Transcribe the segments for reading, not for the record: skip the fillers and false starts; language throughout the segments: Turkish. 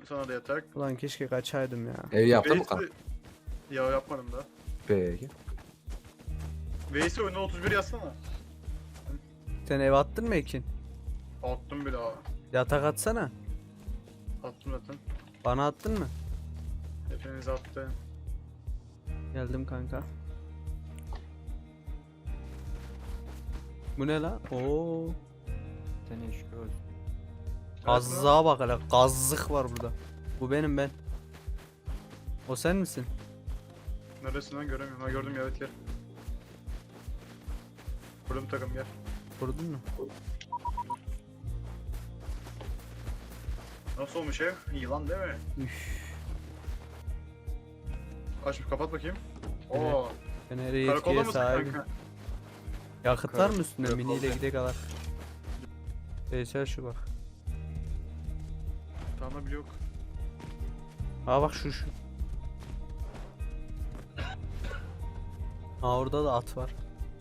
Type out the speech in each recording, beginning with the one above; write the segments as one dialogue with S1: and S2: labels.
S1: Sana da yatak.
S2: Ulan keşke kaçaydım ya.
S3: Ev yaptın mı kan?
S1: Veys'i... Ya yapmadım da.
S3: Peki.
S1: Veys'i oyuna 31 yazsana.
S2: Sen ev attın mı Ekin?
S1: Attım bile abi.
S2: Yatak atsana.
S1: Attım zaten.
S2: Bana attın mı?
S1: Hepiniz attı.
S2: Geldim kanka. Bu ne la? Oo.
S4: Seni şükür olsun.
S2: Gazlığa bak hele. Gazlık var burada. Bu benim ben. O sen misin?
S1: Neresinden göremiyorum. Ha gördüm ya, evet gel. Kurdum takım gel.
S2: Vurdun mu?
S1: Nasıl olmuş ev? Yılan değil mi?
S2: Üf.
S1: Aç kapat bakayım.
S2: Evet.
S1: Oo.
S2: Ben her
S1: Karakolda
S2: yetkiye
S1: mısın
S2: sahibim.
S1: kanka?
S2: Yakıt var mı üstünde?
S1: Karakolda.
S2: Miniyle gidelim kadar. Geçer şu bak.
S1: Tamam bile yok.
S2: Ha bak şu. Ha orada da at var.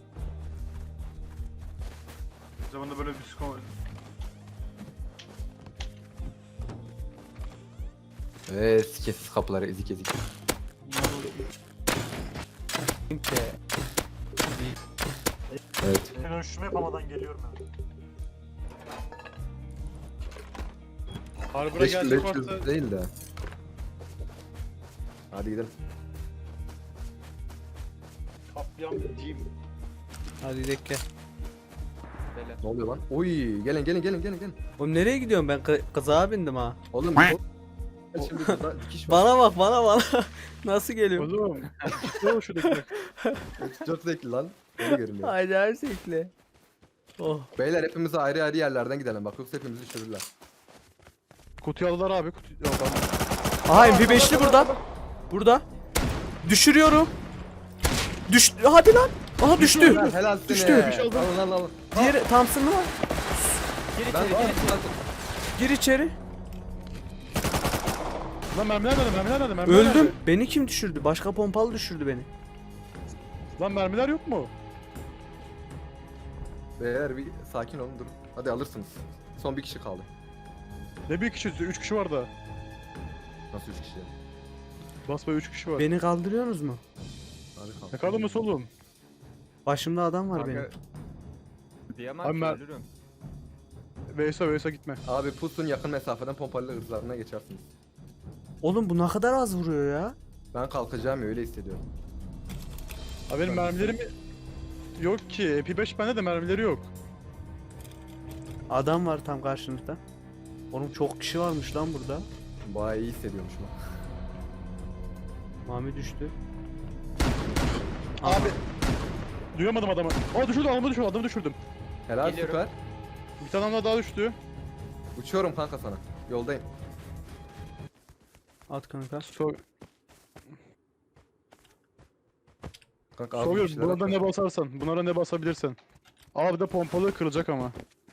S1: Bir zamanda böyle bir skor.
S3: Sikesiz kapıları ezik ezik.
S2: Çünkü
S3: Evet.
S5: Ben ölçümü yapamadan geliyorum ben.
S1: Harbura
S3: 500
S1: gelecek varsa
S3: değil de. Hadi gidelim.
S1: kapyan diyeyim.
S2: hadi gidelim gel.
S4: Beyler.
S3: Ne oluyor lan? Oy, gelin.
S2: Oğlum nereye gidiyorum ben? Kızağa bindim ha.
S3: Oğlum şimdi burada dikiş var.
S2: Bana bak bana. Nasıl geliyorum?
S1: Oğlum. Ne oldu şuradaki?
S3: 4 zevkli lan. Öyle görünüyor.
S2: Haydi her şekli. Oh.
S3: Beyler hepimiz ayrı ayrı yerlerden gidelim bak yoksa hepimizi düşürürler.
S1: Kutuyu aldılar abi. Yok
S2: Aha MP5'li burada. Burada. Düşürüyorum. Hadi lan. Aha düştü.
S3: Helal seni.
S2: Düştü.
S3: Al.
S2: Diğeri Thompson mı var?
S3: Ben
S2: Gir içeri.
S1: Lan mermiler nerede?
S2: Öldüm. Beni kim düşürdü? Başka pompalı düşürdü beni.
S1: Lan mermiler yok mu?
S3: Beyler bir sakin olun durun. Hadi alırsınız. Son bir kişi kaldı.
S1: Ne bir kişi? 3 kişi var da.
S3: Nasıl 3 kişi?
S1: Basbaya 3 kişi var.
S2: Beni kaldırıyorsunuz mu?
S3: Hadi kalk.
S1: Ne kaldı mı solum?
S2: Başımda adam var
S4: Kanka,
S2: benim.
S4: diyemem
S1: Abi
S4: ki
S1: ben-
S4: ölürüm.
S1: Veysa gitme.
S3: Abi pusun yakın mesafeden pompalı hırslarına geçersiniz.
S2: Oğlum bu ne kadar az vuruyor ya.
S3: Ben kalkacağım ya öyle hissediyorum.
S1: Abi benim mermilerim yok ki. MP5 bende de mermileri yok.
S2: Adam var tam karşınızda. Oğlum çok kişi varmış lan burada.
S3: Bayağı iyi hissediyormuşum.
S2: Mami düştü.
S1: Abi. Duyamadım adamı. Aa düşürdüm, adamı düşürdüm.
S3: Helal
S4: Geliyorum.
S3: süper.
S1: Bir tane daha düştü.
S3: Uçuyorum kanka sana. Yoldayım.
S2: At kanka.
S3: Kanka az bir
S1: Soruyorum,
S3: şeyler
S1: buna da
S3: at.
S1: ne basarsan, bunlara ne basabilirsen. Abi de pompalı kırılacak ama.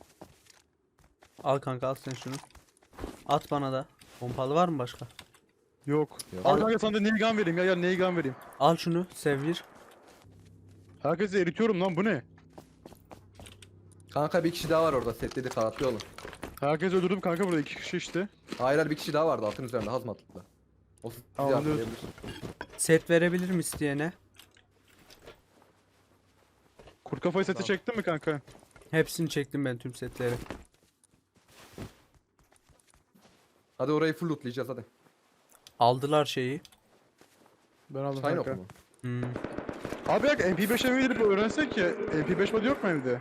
S2: Al kanka al sen şunu. At bana da. Pompalı var mı başka?
S1: Yok.
S3: Yok.
S1: Al kanka sana da nail gun vereyim ya, gel nail gun vereyim.
S2: Al şunu sevir.
S1: Herkesi eritiyorum lan, bu ne?
S3: Kanka bir kişi daha var orada setledi kanatlı olun.
S1: Herkesi öldürdüm kanka, burada 2 kişi işte.
S3: Hayır bir kişi daha vardı altın üzerinde hazmatlıkla. O sizi
S1: Tamam,
S3: arkalayabilir.
S2: Set verebilirim isteyene.
S1: Kurt kafayı seti
S3: Tamam.
S1: çektin mi kanka?
S2: Hepsini çektim ben tüm setleri.
S3: Hadi orayı full lootlayacağız hadi.
S2: Aldılar şeyi.
S1: Ben aldım
S3: Shine
S1: kanka.
S3: oku mu?
S2: Hmm.
S1: Abi ya MP5 eve gidip öğrensek ya, MP5 body yok mu evde?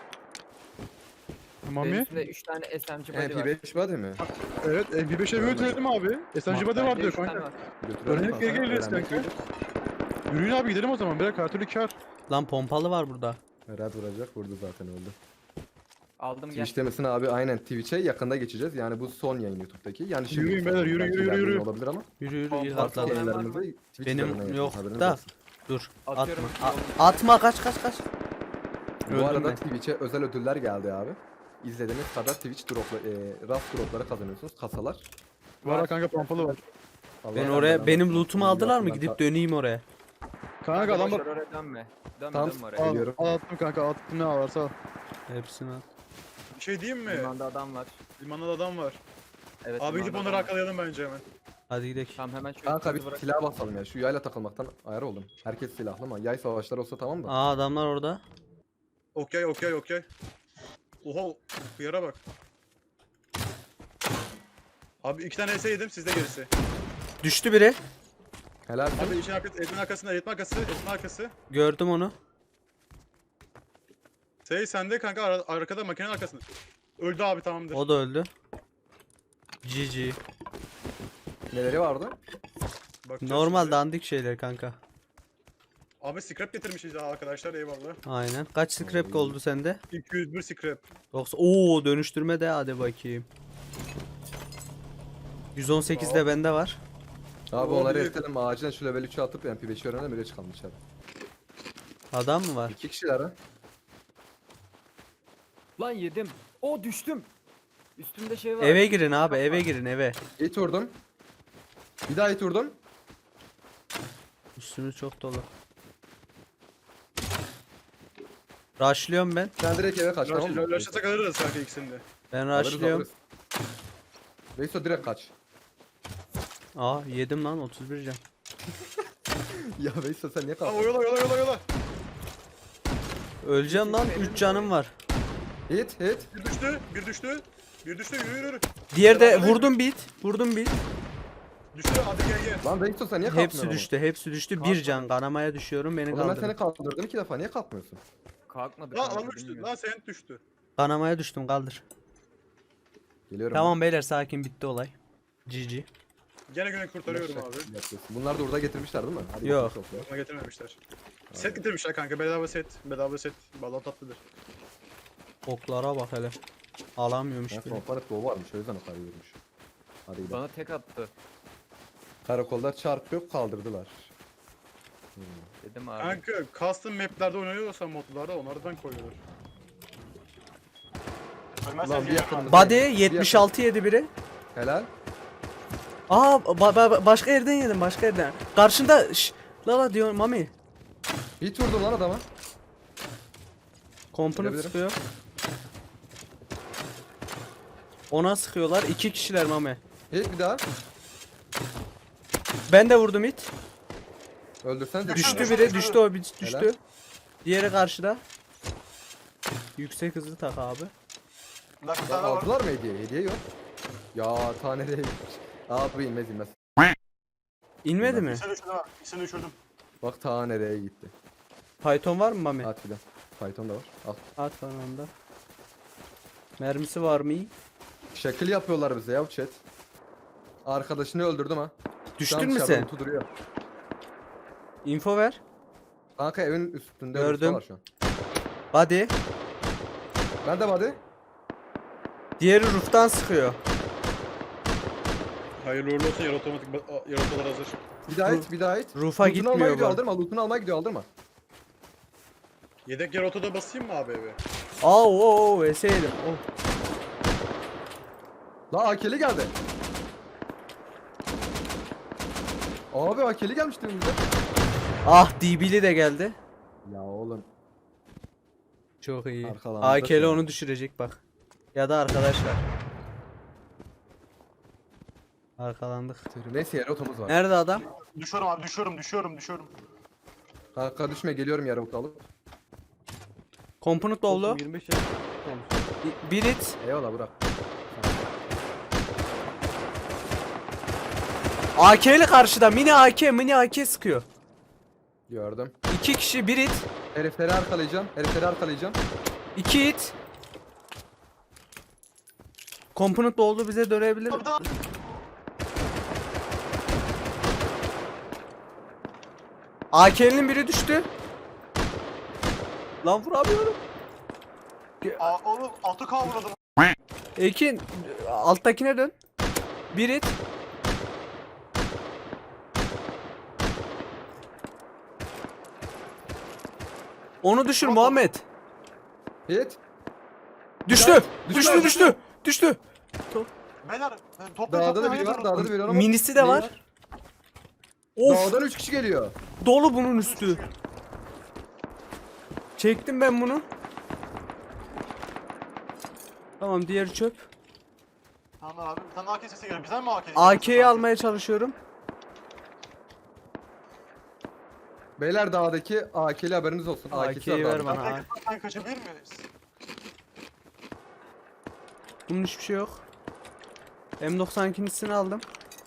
S4: Benim
S1: Mami?
S4: üstümde 3 tane SMG body var.
S3: MP5 body mi?
S1: Evet, MP5 eve götürelim abi. SMG body var
S4: Bende
S1: diyor
S4: üç tane
S1: kanka.
S4: var.
S3: Götürelim
S1: Öğrenip
S3: kanka,
S1: geri geliriz
S3: öğrenmek
S1: kanka.
S3: iyidir.
S1: Yürüyün abi gidelim o zaman, birer her türlü kar.
S2: Lan pompalı var burada.
S3: Herhalde vuracak vurdu zaten öldü.
S4: Aldım gel.
S3: Twitch demesin abi aynen Twitch'e yakında geçeceğiz. Yani bu son yayın YouTube'daki. Yani şimdi
S1: Yürüyün beyler, yürü,
S3: belki
S1: yürü,
S3: ileride
S1: yürü.
S3: olabilir ama
S2: Yürü ilk
S4: Pompalı
S3: farklı
S2: atladım.
S4: olan var
S3: yayınlarımızı
S4: mı?
S3: Twitch
S2: Benim
S3: üzerinden
S2: yok
S3: yapıyoruz, haberiniz
S2: da.
S3: olsun.
S2: Dur.
S4: Atıyorum.
S2: Atma kaç.
S3: Bu
S2: Öldüm
S3: arada
S2: ben.
S3: Twitch'e özel ödüller geldi abi. İzlediğiniz kadar Twitch Rust dropları kazanıyorsunuz. Kasalar.
S1: Var kanka, pompalı var.
S3: Allah
S2: Ben
S3: razı
S2: oraya
S3: olsun.
S2: benim lootumu aldılar mı?
S3: Yakından
S2: Gidip döneyim oraya.
S1: Kanka adam
S4: boş
S1: bak.
S4: ver, oraya dönme. Dönme
S3: Tamam,
S4: oraya.
S1: Al,
S3: Geliyorum.
S1: al attım kanka, attım ne varsa al.
S2: Hepsini at.
S1: Bir şey diyeyim mi?
S4: Limanda adam var.
S1: Limanda da adam var.
S4: Evet.
S1: Abi gidip
S4: bunlardan
S1: onları
S4: var.
S1: arkalayalım bence hemen.
S2: Hadi gidelim.
S4: Tamam hemen şöyle
S3: Kanka bir
S4: kızı bırak.
S3: silah basalım ya. Şu yayla takılmaktan ayar oldum. Herkes silahlı ama yay savaşları olsa tamam da.
S2: Aa adamlar orada.
S1: Okey okey okey. Oha hıyara bak. Abi 2 tane ES yedim sizde gerisi.
S2: Düştü biri.
S3: Helal.
S1: Abi işin arkası, etin arkasında, etin arkası, etin arkası.
S2: Gördüm onu.
S1: Sende kanka arkada makinenin arkasında. Öldü abi tamamdır.
S2: O da öldü. GG.
S3: Neleri vardı?
S1: Bakacağız
S2: Normal
S1: şimdi.
S2: dandik şeyler kanka.
S1: Abi scrap getirmişiz ya arkadaşlar eyvallah.
S2: Aynen. Kaç scrap oldu sende?
S1: 201 scrap.
S2: 90. Oo dönüştürme de hadi bakayım. 118 de bende var.
S3: Abi
S1: O
S3: onları
S1: büyük.
S3: eritelim acilen şu level 3'e atıp MP5'i öğrenelim öyle çıkalım dışarı.
S2: Adam mı var?
S3: 2 kişiler ha.
S4: Lan yedim. O düştüm. Üstümde şey var.
S2: Eve girin abi, eve girin eve.
S3: Hit vurdum. Bir daha hit vurdum.
S2: Üstümüz çok dolu. Rushlıyorum ben.
S3: Sen direkt eve kaç tamam mı?
S1: Laşlasak alırız kanka ikisini de.
S2: Ben
S3: Alırız,
S2: rushlıyorum.
S3: alırız. Veyso direkt kaç.
S2: Aa yedim lan 31 can.
S3: Ya Veyso sen niye
S1: Aa
S3: kalktın?
S1: yola yola yola yola.
S2: Öleceğim lan 3 canım var.
S3: Hit hit.
S1: Bir düştü, bir düştü. Bir düştü yürü yürü.
S2: Diğer de vurdum bit. Vurdum bit.
S1: Düştü hadi gel gel.
S3: Lan Veyso sen niye kalkmıyorsun?
S2: Hepsi düştü, hepsi düştü. Bir can kanamaya düşüyorum beni
S3: Oğlum ben seni
S2: kaldır.
S3: kaldırdım 2 defa niye kalkmıyorsun?
S4: Kalkmadı.
S1: Lan
S4: kanka,
S1: lan düştü.
S4: bilmiyorum.
S1: Lan sen düştü.
S2: Kanamaya düştüm kaldır.
S3: Geliyorum.
S2: Tamam beyler sakin bitti olay. GG.
S1: Gene güne kurtarıyorum abi.
S3: Yapıyorsun. Bunlar da orada getirmişler değil mi? Hadi
S2: Yok.
S3: geçmiş olsun.
S1: Bana getirmemişler. Set getirmişler kanka bedava set. Bedava set. Vallahi tatlıdır.
S2: Oklara bak hele. Alamıyormuş
S3: Ben
S2: bile.
S3: komponent doğu varmış o yüzden o kadar yürümüş. Hadi gidelim.
S4: Bana tek attı.
S3: Karakolda çarp yok kaldırdılar.
S4: Dedim abi.
S1: Kanka custom maplerde oynanıyorsa modlarda onlardan koyuyorlar.
S3: Ulan bir yakın.
S2: Body 76 yedi biri.
S3: Helal.
S2: Aa başka yerden yedim başka yerden. Karşında şş, la diyor Mami.
S3: Hit vurdum lan adama.
S2: Komponent
S3: Görebilirim.
S2: sıkıyor. Ona sıkıyorlar. 2 kişiler Mami.
S3: Hit bir daha.
S2: Ben de vurdum it.
S3: Öldürsen de
S2: Düştü biri, düştü o bir düştü.
S3: Helal.
S2: Diğeri karşıda. Yüksek hızlı tak abi.
S3: Aldılar mı hediye? Hediye yok. Ya tane değil. Abi inmez inmez.
S2: İnmedi mi?
S1: İkisini düşürdüm.
S3: Bak ta nereye gitti.
S2: Python var mı Mami?
S3: At filan. Python da var. Al.
S2: At bana onda. Mermisi var mı?
S3: Şekil yapıyorlar bize ya chat. Arkadaşını öldürdüm ha. Şu an
S2: Düştün mü
S3: dışarıda
S2: sen?
S3: Lutu duruyor.
S2: Info ver.
S3: Kanka evin üstünde
S2: Gördüm.
S3: var şu an.
S2: Body.
S3: Ben de body.
S2: Diğeri roof'tan sıkıyor.
S1: Hayırlı uğurlu olsun yarı otomatik yarı hazır.
S3: Bir daha hit, bir daha hit.
S2: Rufa
S3: Loot'unu almaya
S2: gitmiyor
S3: gidiyor
S2: bu.
S3: aldırma, loot'unu almaya gidiyor aldırma.
S1: Yedek yarı otoda basayım mı abi eve?
S2: Aa o eseydim. Oh.
S3: La AK'li geldi. Abi AK'li gelmişti önümüze.
S2: Ah DB'li de geldi.
S3: Ya oğlum.
S2: Çok iyi.
S3: Arkalandı
S2: AK'li
S3: da
S2: onu düşürecek bak. Ya da arkadaşlar. Arkalandık.
S3: Neyse yarı otomuz var.
S2: Nerede adam?
S5: Düşüyorum abi düşüyorum.
S3: Kanka düşme geliyorum yarı otu alıp.
S2: Komponent oldu.
S1: 25
S2: Bir it.
S3: Eyvallah bırak.
S2: AK'li karşıda. Mini AK sıkıyor.
S3: Gördüm.
S2: 2 kişi bir it.
S3: Herifleri arkalayacağım.
S2: 2 it. Komponent oldu bize dönebilir. AK'linin biri düştü. Lan vuramıyorum.
S5: Oğlum 6K vurdum.
S2: Ekin alttakine dön. Bir it. Onu düşür Muhammed.
S3: Hit.
S2: Düştü.
S3: Düştü.
S2: Düştü.
S5: Beyler
S3: Dağda da biri var, dağda da biri var ama.
S2: Minisi de
S3: Neyi
S2: var. Of
S3: Dağdan 3 kişi geliyor.
S2: dolu bunun üstü. Çektim ben bunu. Tamam diğeri çöp.
S5: Tamam abi. Bir tane AK sesi geliyor. Bizden mi AK?
S2: AK'yi almaya çalışıyorum.
S3: Beyler dağdaki AK'li haberiniz olsun. AK'si
S2: AK'yi
S3: var
S2: ver
S3: dağda.
S2: bana.
S5: Ben kaçabilir miyiz?
S2: Bunun hiçbir şey yok. M92'sini aldım.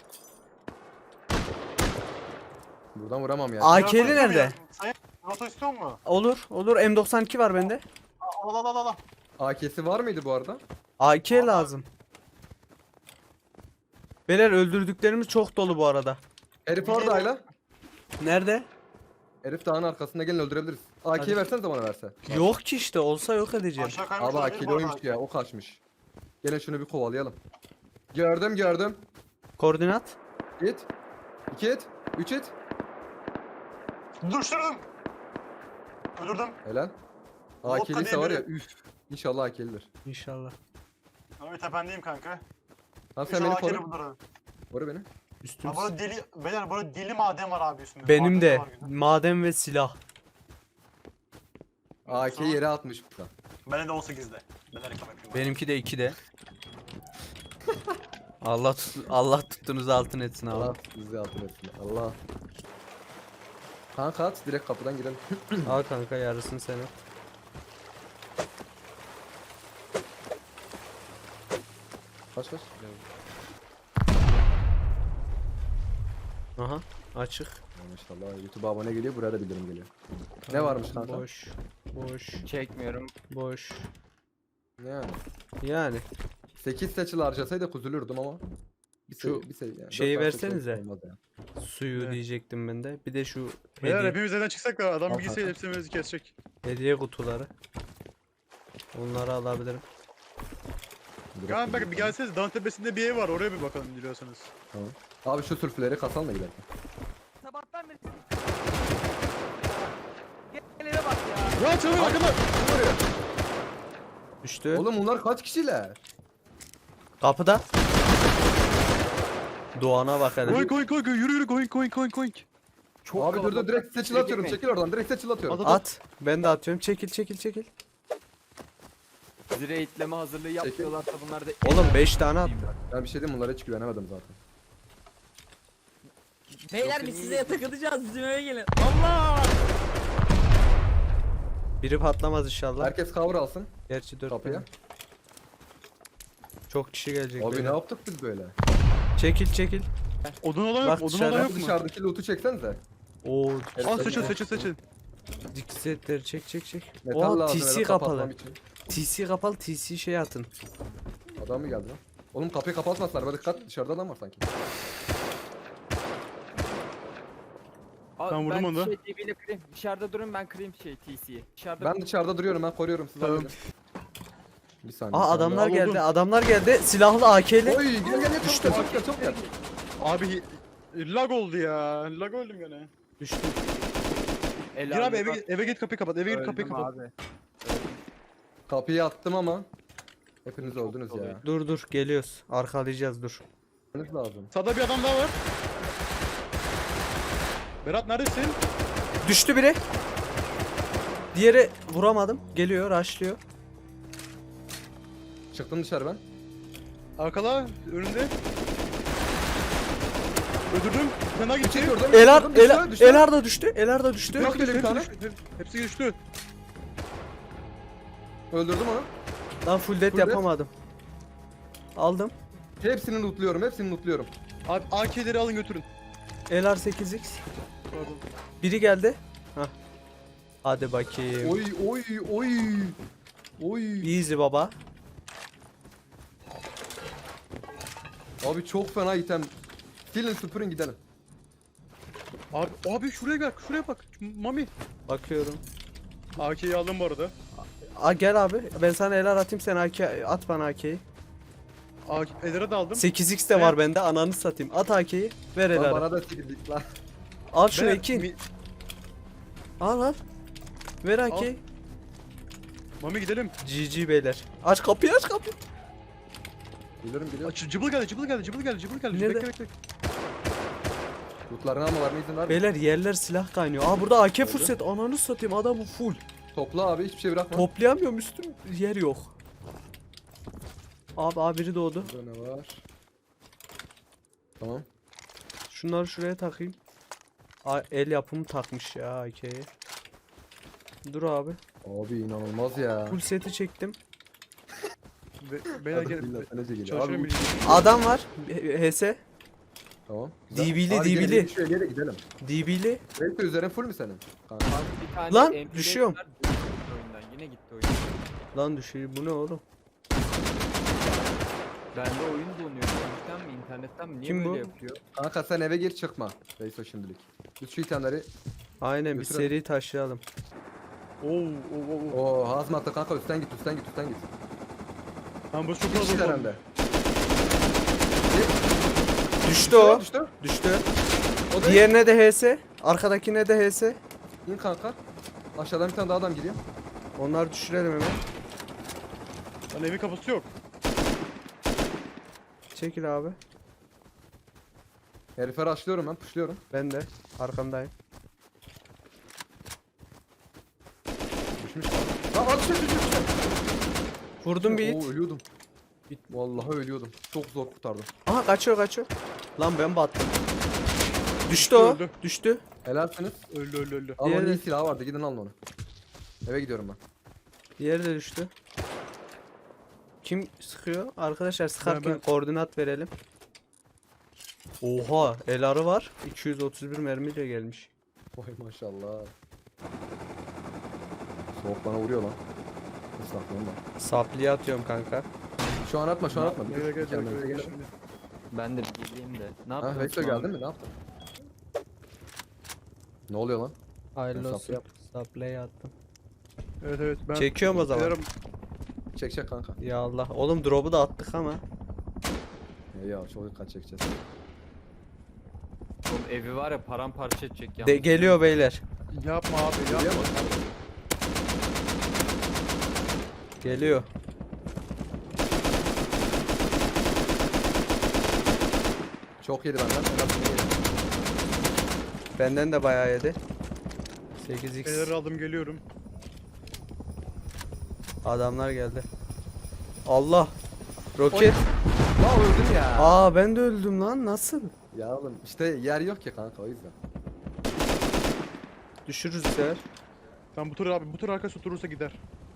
S3: Buradan vuramam ya.
S2: AK'li nerede?
S5: Sayın Roto istiyor mu?
S2: Olur, olur. M92 var bende.
S5: Al.
S3: AK'si var mıydı bu arada?
S2: AK lazım. Beyler öldürdüklerimiz çok dolu bu arada.
S3: Herif orada Ayla.
S2: Nerede?
S3: Herif dağın arkasında, gelin öldürebiliriz. AK'yi
S2: Hadi.
S3: versenize bana verse.
S2: Yok ki işte, olsa yok edeceğim.
S5: Aşağı kaymış
S3: Abi
S5: olabilir
S3: AK'li
S5: bu arada.
S3: oymuş ya, o kaçmış. Gelin şunu bir kovalayalım. Gördüm.
S2: Koordinat.
S3: Git. 2 it. 3 it.
S5: Düşürdüm. Öldürdüm.
S3: Helal.
S5: Vodka
S3: AK'liyse var ya,
S5: diyebilirim.
S3: üf. İnşallah AK'lidir.
S2: İnşallah.
S5: Abi tependeyim kanka.
S3: Tamam sen beni
S5: İnşallah AK'li
S3: koru.
S5: bulur abi.
S3: Koru beni.
S2: Üstüm.
S5: Ya burada deli, beyler burada deli maden var abi üstünde.
S2: Benim
S5: Maden
S2: de
S5: var güzel.
S2: maden ve silah.
S3: AK'yi yere atmış bu da.
S5: Benim de 18'de. Ben de reklam yapayım.
S2: Benimki de 2'de. Allah tuttuğunuz altın etsin abi.
S3: Allah bizi altın etsin. Allah. Kanka at, direkt kapıdan girelim.
S2: Al kanka, yarısını sen at.
S3: Kaç.
S2: Aha, açık.
S3: Maşallah YouTube'a abone geliyor, buraya da bildirim geliyor. Ne varmış kanka?
S2: Boş.
S4: Çekmiyorum.
S2: Boş.
S3: Yani.
S2: Yani
S3: 8 seçil harcasaydık üzülürdüm ama.
S2: Şu
S3: Yani
S2: şeyi
S3: 4 tane
S2: versenize.
S3: seçil olmaz ya.
S2: suyu
S1: Evet.
S2: diyecektim ben de. Bir de şu
S1: Beyler
S2: hediye,
S1: hepimiz evden çıksak da adam
S3: Al
S1: bir gitse
S3: kanka.
S1: hepsimizi kesecek.
S2: hediye kutuları. Onları alabilirim.
S3: Direkt
S1: Kaan bak
S3: gidiyor.
S1: bir gelseniz dağın tepesinde bir ev var, oraya bir bakalım biliyorsanız.
S3: Tamam. Abi şu sürfleri kasalım da gidelim.
S4: Sabahtan beri Gel eve bak ya.
S1: Ya çalıyor arkada!
S2: Düştü.
S3: Oğlum bunlar kaç kişiler?
S2: Kapıda. Doğan'a bak hele.
S1: Koink yürü koink.
S4: Çok
S3: Abi dur
S4: kalabalık.
S3: direkt seçil
S4: Şuraya
S3: atıyorum,
S4: girmeyin.
S3: çekil oradan, direkt seçil atıyorum.
S2: At. Ben de atıyorum. Çekil.
S4: Bizi raidleme hazırlığı yapıyorlarsa bunlar da...
S2: Oğlum 5 tane at.
S3: Ben bir şey diyeyim, bunlara hiç güvenemedim zaten.
S6: Beyler biz size takılacağız, bizim eve gelin. Allah!
S2: Biri patlamaz inşallah.
S3: Herkes cover alsın
S2: Gerçi 4
S3: kapıya.
S2: Çok kişi gelecek.
S3: Abi
S2: böyle.
S3: ne yaptık biz böyle?
S2: Çekil.
S1: Odun olan
S2: Bak
S1: yok, odun
S2: dışarıda
S1: olan
S3: Abi
S1: yok mu?
S3: dışarıdaki loot'u çeksenize.
S2: Oo.
S1: Al seçin.
S2: Diksetleri çek.
S3: Metal
S2: O
S3: lazım
S2: TC
S3: öyle
S2: kapalı.
S3: kapatmam için.
S2: TC kapalı. TC şey atın.
S3: Adam mı geldi lan? Oğlum kapıyı kapatmasınlar, böyle dikkat, dışarıda adam var sanki.
S4: Abi,
S1: Ben vurdum onu da.
S4: DB'yle kırayım. Dışarıda durun, ben kırayım TC'yi. Dışarıda
S3: Ben dışarıda duruyorum, ben koruyorum sizi.
S1: Tamam.
S3: halledin. Bir saniye.
S2: Aa
S3: bir
S2: adamlar
S1: al
S2: geldi.
S1: oğlum.
S2: Adamlar geldi. Silahlı AK'li.
S3: Oy gel
S2: Düştü.
S3: çabuk gel.
S1: Abi lag oldu ya. Lag oldum gene.
S2: Düştü.
S4: El
S1: Gir abi
S4: aldım.
S1: eve git kapıyı kapat. Eve git kapıyı
S4: Öldüm
S1: kapat.
S4: abi.
S3: Kapıyı attım ama hepiniz öldünüz ya.
S2: Dur geliyoruz. Arkalayacağız dur.
S3: Öldünüz lazım.
S1: Sağda bir adam daha var. Berat neredesin?
S2: Düştü biri. Diğeri vuramadım. Geliyor, rushlıyor.
S3: Çıktım dışarı ben.
S1: Arkala önünde. Öldürdüm. Bir tane daha gitti.
S3: Çekiyordum.
S2: Elar da düştü. Elar da düştü.
S3: Yok öyle bir tane.
S1: Hepsi düştü.
S3: Öldürdüm onu.
S2: Lan full death
S3: Full death.
S2: yapamadım. Aldım.
S3: Hepsini lootluyorum.
S1: Abi AK'leri alın götürün.
S2: Elar 8x.
S1: Pardon.
S2: Biri geldi. Hah. Hadi bakayım.
S3: Oy.
S2: Easy baba.
S3: Abi çok fena item. Silin süpürün gidelim.
S1: Abi şuraya bak. Mami.
S2: Bakıyorum.
S1: AK'yi aldım bu arada.
S2: Gel abi. Ben sana Elar atayım, sen AK at bana AK'yi.
S1: Eler'e de aldım.
S2: 8x de var bende. Ananı satayım. At AK'yi. Ver
S3: Lan
S2: Elar'a.
S3: bana da sikildik lan.
S2: Al şunu
S1: Ben-
S2: Ekin. Al. Ver AK'yi.
S1: Mami gidelim.
S2: GG beyler. Aç kapıyı.
S3: Biliyorum.
S1: Cıbıl geldi.
S2: Nerede?
S1: Bekle.
S3: Lootlarını almalarına izin verme.
S2: Beyler yerler silah kaynıyor. Aa burada AK full set. Ananı satayım, adamı full.
S3: Topla abi, hiçbir şey bırakma.
S2: Toplayamıyorum, üstüm yer yok. Abi biri doğdu.
S3: Burada ne var? Tamam.
S2: Şunları şuraya takayım. El yapımı takmış ya AK'ye. Dur abi.
S3: Abi inanılmaz ya.
S2: Full seti çektim.
S1: Beyler
S3: Hadi
S1: gel.
S3: billah, sana geliyor.
S1: Çalışıyorum.
S3: Abi,
S2: Adam var. HS.
S3: tamam.
S2: DB'li,
S3: Abi,
S2: DB'li.
S3: gelin, şu eliye de gidelim.
S2: DB'li.
S3: Belki üzerin full mü senin? Kanka.
S4: Abi bir tane
S2: Lan,
S4: MP5
S2: düşüyorum.
S4: var, oyundan. Yine gitti oyun.
S2: Lan düşüyor. Bu ne oğlum?
S4: Bende oyun donuyor. İnternetten mi? İnternetten mi? Niye
S2: Kim
S4: böyle
S2: bu?
S4: yapıyor?
S3: Kanka sen eve gir çıkma. Neyse şimdilik. Biz şu itemleri.
S2: Aynen bir
S3: Götürelim.
S2: seri taşıyalım.
S1: Oo.
S3: Oo hazmatlı kanka üstten git.
S1: Lan bu çok
S3: Bir kişi
S1: fazla oldu.
S3: herhalde.
S2: Düştü o.
S3: Düştü.
S2: Düştü.
S3: O da
S2: Diğerine de HS. Arkadakine de HS.
S3: İn kanka. Aşağıdan bir tane daha adam geliyor.
S2: Onları düşürelim hemen.
S1: Lan evin kapısı yok.
S2: Çekil abi.
S3: Herife rushlıyorum ben. Pushluyorum.
S2: Ben de arkandayım.
S3: Düşmüş. Lan at düştü.
S2: Vurdum bir
S3: Oo
S2: hit.
S3: ölüyordum. Vallahi ölüyordum. Çok zor kurtardım.
S2: Aha kaçıyor. Lan ben battım. Düştü o.
S1: Öldü.
S2: Düştü.
S3: Helalsiniz.
S1: Öldü.
S3: Ama onun
S2: Diğeri-
S3: iyi silahı vardı. Gidin alın onu. Eve gidiyorum ben.
S2: Diğeri de düştü. Kim sıkıyor? Arkadaşlar sıkarken
S1: Ben.
S2: koordinat verelim. Oha, el arı var. 231 mermiyle gelmiş.
S3: Vay maşallah. Soğuk bana vuruyor lan. Islaklıyorum ben.
S2: Sapliye atıyorum kanka.
S3: Şu an atma.
S1: Gel.
S3: Kendinize gelin.
S1: Şimdi.
S4: Ben de bileyim de. Ne
S3: Ha
S4: yaptın?
S3: Vexo geldin mi? Ne yaptın? Ne oluyor lan?
S2: Hayırlı
S3: Ben
S2: olsun. Sapliye attım.
S1: Evet ben.
S2: Çekiyorum o zaman.
S1: Beylerim,
S3: Çek kanka.
S2: Ya Allah. Oğlum drop'u da attık ama.
S3: Ya çok dikkat çekeceğiz.
S4: Oğlum evi var ya paramparça edecek ya.
S2: Geliyor beyler.
S1: Yapma abi
S3: Geliyor
S1: yapma.
S3: mu?
S2: Geliyor.
S3: Çok yedi benden. Helal yedi.
S2: Benden de bayağı yedi. 8x.
S1: Beyleri aldım geliyorum.
S2: Adamlar geldi. Allah. Roket.
S3: Lan öldün ya.
S2: Aa ben de öldüm lan. Nasıl?
S3: Ya oğlum işte yer yok ki kanka o yüzden.
S2: Düşürürüz bu sefer.
S1: Ben bu tur arkası oturursa gider.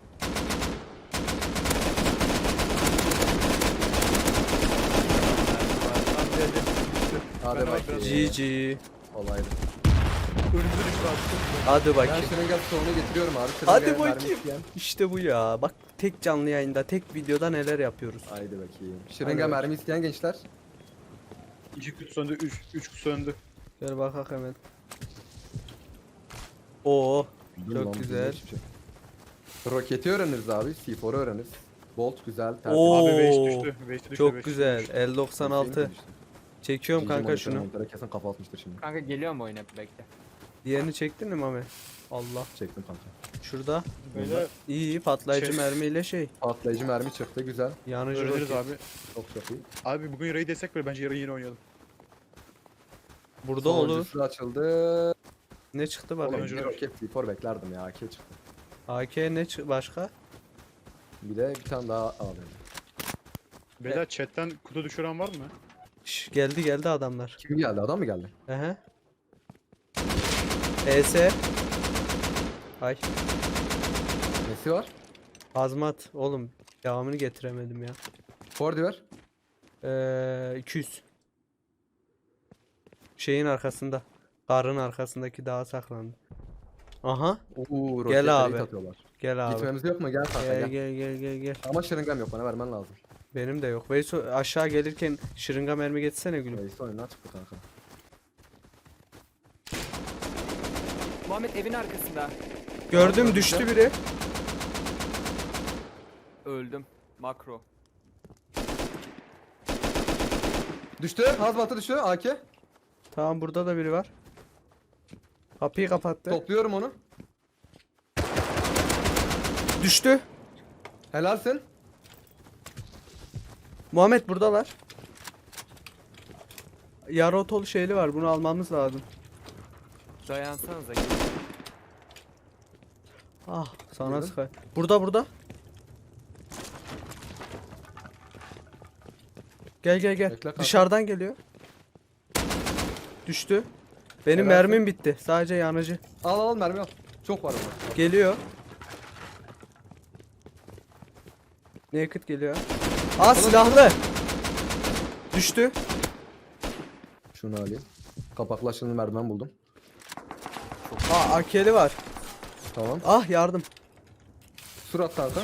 S3: Hadi
S1: Ben
S3: bakayım.
S2: GG.
S3: Olaydı.
S1: Önümüze düştü abi.
S2: Hadi
S3: Ben
S2: bakayım.
S3: şırınga stoğunu getiriyorum abi.
S2: Hadi
S3: Şırıngaya mermi
S2: bakayım.
S3: isteyen.
S2: İşte bu ya. Bak tek canlı yayında, tek videoda neler yapıyoruz.
S3: Haydi bakayım.
S2: Hadi
S3: Şırınga
S2: bakayım.
S3: mermi isteyen gençler.
S1: 2 kutu söndü, 3 kutu söndü.
S2: Gel bakak hemen. Oo,
S3: Dur
S2: çok
S3: lan,
S2: güzel.
S3: hiçbir şey. Roketi öğreniriz abi. C4'u öğreniriz. Bolt güzel. tertemiz.
S2: Oo,
S1: Abi waste düştü. Waste düştü.
S2: çok
S1: waste
S2: güzel.
S1: düştü.
S2: L96.
S3: Hüseyin de düştü.
S2: Çekiyorum
S3: GG
S2: kanka
S3: monitör,
S2: şunu.
S3: monitöre kesin kafa atmıştır şimdi.
S4: Kanka geliyor mu oyuna bekle.
S2: Diğerini çektin mi Mami? Allah.
S3: Çektim kanka.
S2: Şurada.
S1: Beyler
S2: İyi patlayıcı
S1: Şey-
S2: mermiyle şey.
S3: Patlayıcı mermi çıktı güzel.
S2: Yanıcı
S1: öğreniriz
S2: roket.
S1: abi.
S3: Çok iyi.
S1: Abi bugün raid desek böyle bence yarın yine oynayalım.
S2: Burada olur.
S3: Sonuncusu açıldı.
S2: Ne çıktı
S3: Oğlum
S2: bakalım.
S1: Sonuncu-
S3: bir roket C4 beklerdim ya. AK çıktı.
S2: AK ne başka?
S3: Bir de bir tane daha alayım.
S1: Beyler chatten kutu düşüren var mı?
S2: Şş, geldi adamlar.
S3: Kim geldi? Adam mı geldi?
S2: Ehe. ES. Ay.
S3: Nesi var?
S2: Hazmat. Oğlum devamını getiremedim ya.
S3: Fordi ver.
S2: 200. Şeyin arkasında. Karın arkasındaki dağa saklandı. Aha.
S3: Oo, roket
S2: Gel abi.
S3: atıyorlar.
S2: Gel abi.
S3: Gitmemiz yok mu? Gel kanka
S2: Gel
S3: gel.
S2: gel.
S3: Ama şırıngam yok bana vermen lazım.
S2: Benim de yok. Veyso aşağı gelirken şırınga mermi getirsene gülüm.
S3: Neyse oyundan çıktı kanka.
S4: Muhammed evin arkasında.
S2: Gördüm düştü biri.
S4: Öldüm. Makro.
S3: Düştü. Hazmatı düştü. AK.
S2: Tamam burada da biri var. Kapıyı kapattı.
S3: Topluyorum onu.
S2: Düştü.
S3: Helalsin.
S2: Muhammed buradalar. Yarı otolu şeyli var. Bunu almamız lazım.
S4: Dayansanıza.
S2: Ah sana
S3: Buyurun.
S2: sıkar. Burada. Gel gel gel.
S3: Bekle kanka.
S2: Dışarıdan geliyor. Düştü. Benim
S3: Helal
S2: mermim bitti. Sadece yanıcı.
S3: Al mermi al. Çok var ama.
S2: Geliyor. Naked geliyor. Aa silahlı. Düştü.
S3: Şunu alayım. Kapaklaşını merdiven buldum.
S2: Aa AK'li var.
S3: Tamam.
S2: Ah yardım.
S3: Surat kanka.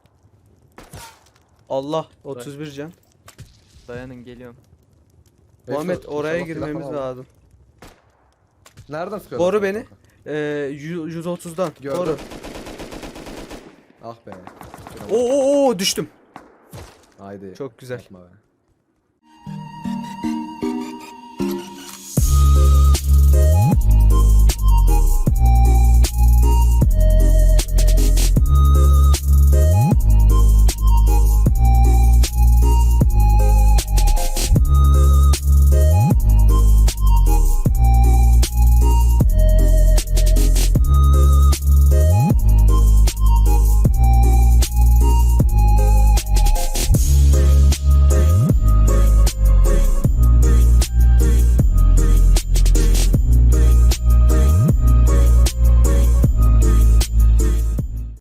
S2: Allah 31 can.
S4: Dayanın geliyorum.
S2: Muhammed
S3: Ekstra,
S2: oraya
S3: inşallah silah
S2: girmemiz
S3: falan al.
S2: lazım.
S3: Nereden sıkıyorsun?
S2: Koru
S3: sen
S2: beni.
S3: kanka?
S2: 130'dan.
S3: Gördüm.
S2: Koru.
S3: Ah be.
S2: Oo düştüm.
S3: Haydi.
S2: Çok güzel.
S3: Yapma be.